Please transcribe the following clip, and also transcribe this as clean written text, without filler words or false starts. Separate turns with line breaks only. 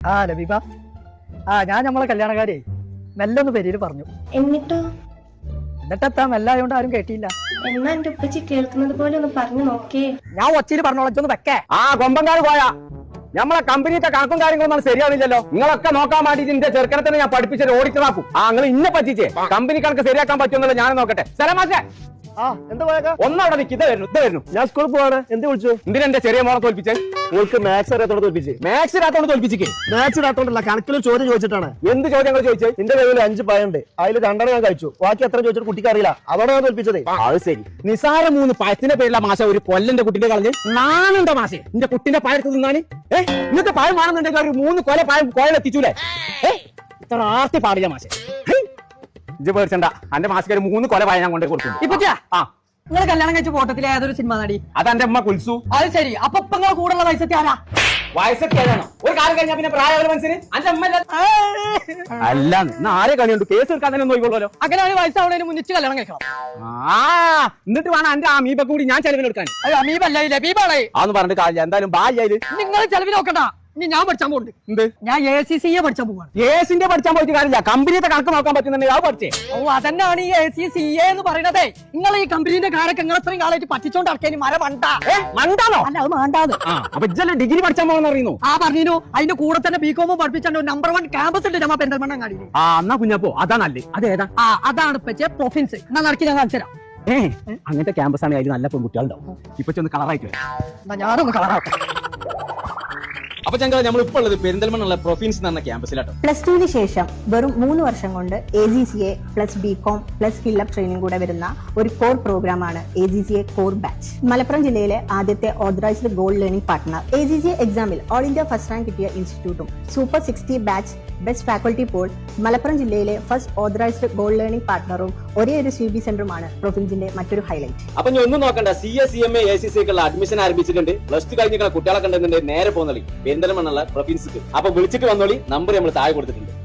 ലബീബ, ഞാൻ നമ്മളെ കല്യാണക്കാരെ മെല്ലെ ഒന്ന് പെരിയിൽ പറഞ്ഞു. എന്നിട്ടെത്താ മെല്ലായോണ്ട് ആരും കേട്ടില്ല.
എന്നാ എന്റെ ഉപ്പച്ചി കേൾക്കുന്നത് പോലെ ഒന്ന് പറഞ്ഞു നോക്കേ.
ഞാൻ ഒച്ചയിൽ പറഞ്ഞോളച്ചൊന്ന് വെക്കേ.
കൊമ്പങ്കാട് പോയാ നമ്മളെ കമ്പനിയുടെ കണക്കും കാര്യങ്ങളൊന്നും ശരിയാവില്ലല്ലോ. നിങ്ങളൊക്കെ നോക്കാൻ വേണ്ടിട്ട് എന്റെ ചെറുക്കനെ തന്നെ ഞാൻ പഠിപ്പിച്ചത് ഓടിച്ചതാക്കും. നിങ്ങൾ ഇന്നെ പറ്റിച്ചേ കമ്പനി കണക്ക് ശരിയാക്കാൻ പറ്റുമെന്നല്ലോ ഞാൻ നോക്കട്ടെ. സ്ഥലമാശേ
എന്താ പോയാ
ഒന്നവിടെ നിൽക്ക്. ഇത് വരുന്നു
ഞാൻ സ്കൂളിൽ പോവാണ്. എന്ത് വിളിച്ചു?
എന്തിനാ എന്റെ ചെറിയ മോളെ തോൽപ്പിച്ചേ?
നിങ്ങൾക്ക് മാത്സ് അറിയാത്തോണ്ട് തോൽപ്പിച്ച്.
മാത്സ് ഇല്ലാത്തോണ്ട് തോൽപ്പിച്ചേ?
മാത്സ് ഇല്ലാത്തോണ്ടല്ല, കണക്കിൽ ചോദ്യം ചോദിച്ചിട്ടാണ്.
എന്ത് ചോദ്യങ്ങൾ ചോദിച്ചേ?
എന്റെ കയ്യിൽ 5 പഴമുണ്ട്, അതിൽ 2 ഞാൻ കഴിച്ചു, ബാക്കി എത്ര ചോദിച്ചിട്ട് കുട്ടിക്ക് അറിയില്ല. അതോടെ ഞാൻ തോൽപ്പിച്ചത്.
അത് ശരി. നിസാര 3 പഴത്തിന്റെ പേരിലുള്ള മാഷ ഒരു കൊല്ലന്റെ കുട്ടിന്റെ കളഞ്ഞ് നാനുണ്ടോ മാഷെ എന്റെ കുട്ടിന്റെ പഴത്ത് തിന്നാന്? ഇന്നത്തെ പഴം വേണമെന്നുണ്ടെങ്കിൽ ഒരു 3 കൊല പഴം കോയിലെത്തിച്ചൂലേ? ഇത്ര ആർത്തി പാടില്ല മാഷെ. ഇജ്ജ് പേടിച്ചണ്ട, എന്റെ മാസിക്ക് 3 കൊല പഴം ഞാൻ കൊണ്ടേ കൊടുക്കും.
ഇപ്പൊ നിങ്ങൾ കല്യാണം കഴിച്ച ഫോട്ടത്തിലെ ഏതൊരു സിനിമ നടി?
അതെന്റെ അമ്മ കുൽസു.
അത് ശരി. അപ്പൊ നിങ്ങളെ കൂടെയുള്ള വയസ്സൊക്കെ ആരാ?
വയസ്സൊക്കെ ഏതാണോ? ഒരു കാലം കഴിഞ്ഞാൽ പിന്നെ പ്രായമുള്ള മനസ്സിന് എന്റെ അമ്മ അല്ല. ആരെ കളിയുണ്ട്? കേസ് എടുക്കാൻ തന്നെ നോക്കിക്കോളൂല്ലോ.
അങ്ങനെ ഒരു വയസ്സാവണേന് മുന്നിച്ച് കല്യാണം കഴിക്കണം.
എന്നിട്ട് വേണം എന്റെ അമീബ കൂടി ഞാൻ ചെലവിനെടുക്കാൻ.
അമീബല്ല, ലബീബാണേ.
അതൊന്നും പറഞ്ഞിട്ട് കാര്യമില്ല. എന്തായാലും ബായി
നിങ്ങൾ ചെലവിൽ നോക്കണ്ട. ഇനി ഞാൻ പഠിച്ചാൻ പോകുന്നുണ്ട്.
എന്ത്?
ഞാൻ ACCA പഠിച്ചാൻ പോവാണ്.
ഏസിന്റെ പഠിച്ചാൻ പോയിട്ട് കാര്യമില്ല. കമ്പനിയുടെ കണക്ക് നോക്കാൻ പറ്റുന്നുണ്ടെങ്കിൽ അത് പഠിച്ചേ.
അതന്നെയാണ് ഈ ACCA എന്ന് പറയുന്നത്. നിങ്ങൾ ഈ കമ്പനീന്റെ കാരൊക്കെ നിങ്ങൾ ഇത്രയും കാലമായിട്ട് പറ്റിച്ചോണ്ട് ഇറക്കിയ മര
മണ്ടാണോ?
അല്ല, അത് വേണ്ടാന്ന്.
അപ്പൊ ഇജ്ജല്ലേ ഡിഗ്രി പഠിച്ചാൻ പോകുന്ന അറിയുന്നു?
പറഞ്ഞു. അതിന്റെ കൂടെ തന്നെ BCom പഠിപ്പിച്ചാണ്ട് നമ്പർ 1 ക്യാമ്പസ് ഉണ്ട് നമ്മ പെരിന്തൽമണ്ണ കാടിയിൽ.
എന്നാ കുഞ്ഞപ്പോ അതാ നല്ലേ. അതേതാ?
അതാണ് ഇപ്പൊ പ്രൊഫിൻസ്. എന്നാ നടക്കി ഞാൻ കാണിച്ചു തരാം.
അങ്ങനത്തെ ക്യാമ്പസ് ആണ്. അതിൽ നല്ല പെൺകുട്ടികളുണ്ടാവും. ഇപ്പൊ ഒന്ന് കളറായിട്ട്
എന്നാ ഞാനൊന്ന് കളറാട്ടെ.
അപ്പൊ ഞങ്ങൾ നമ്മളിപ്പോ ഉള്ളത് പെരിന്തൽമണ്ണ പ്രൊഫിൻസ് എന്ന ക്യാമ്പസിലാട്ടോ.
+2 ശേഷം വെറും 3 വർഷം കൊണ്ട് AGCA plus BCom plus fill up training കൂടെ വരുന്ന ഒരു കോർ പ്രോഗ്രാമാണ് AGCA കോർ ബാച്ച്. മലപ്പുറം ജില്ലയിലെ ആദ്യത്തെ authorised gold learning partner. AGCA എക്സാമിൽ ഓൾ ഇന്ത്യ ഫസ്റ്റ് റാങ്ക് കിട്ടിയ ഇൻസ്റ്റിറ്റ്യൂട്ടും super 60 batch best faculty Paul Malappuram ജില്ലയിലെ ഫസ്റ്റ് ഓതറൈസ്ഡ് ഗോൾഡ് ലേണിംഗ് പാർട്ട്ണറും ഒരേ ഒരു CB സെന്ററുമാണ് പ്രൊഫിൻസിന്റെ മറ്റൊരു ഹൈലൈറ്റ്.
അപ്പൊ ഞാൻ ഒന്നും നോക്കണ്ട. CA CMA ACCA അഡ്മിഷൻ ആരംഭിച്ചിട്ടുണ്ട്. +2 കഴിഞ്ഞ കുട്ടികളെ കണ്ടെന്നുണ്ടെങ്കിൽ നേരെ പോകുന്നോളി പെരിന്തൽമണ്ണ പ്രൊഫിൻസിക്ക്. അപ്പൊ വിളിച്ചിട്ട് വന്നോളി. നമ്പർ നമ്മൾ താഴെ കൊടുത്തിട്ടുണ്ട്.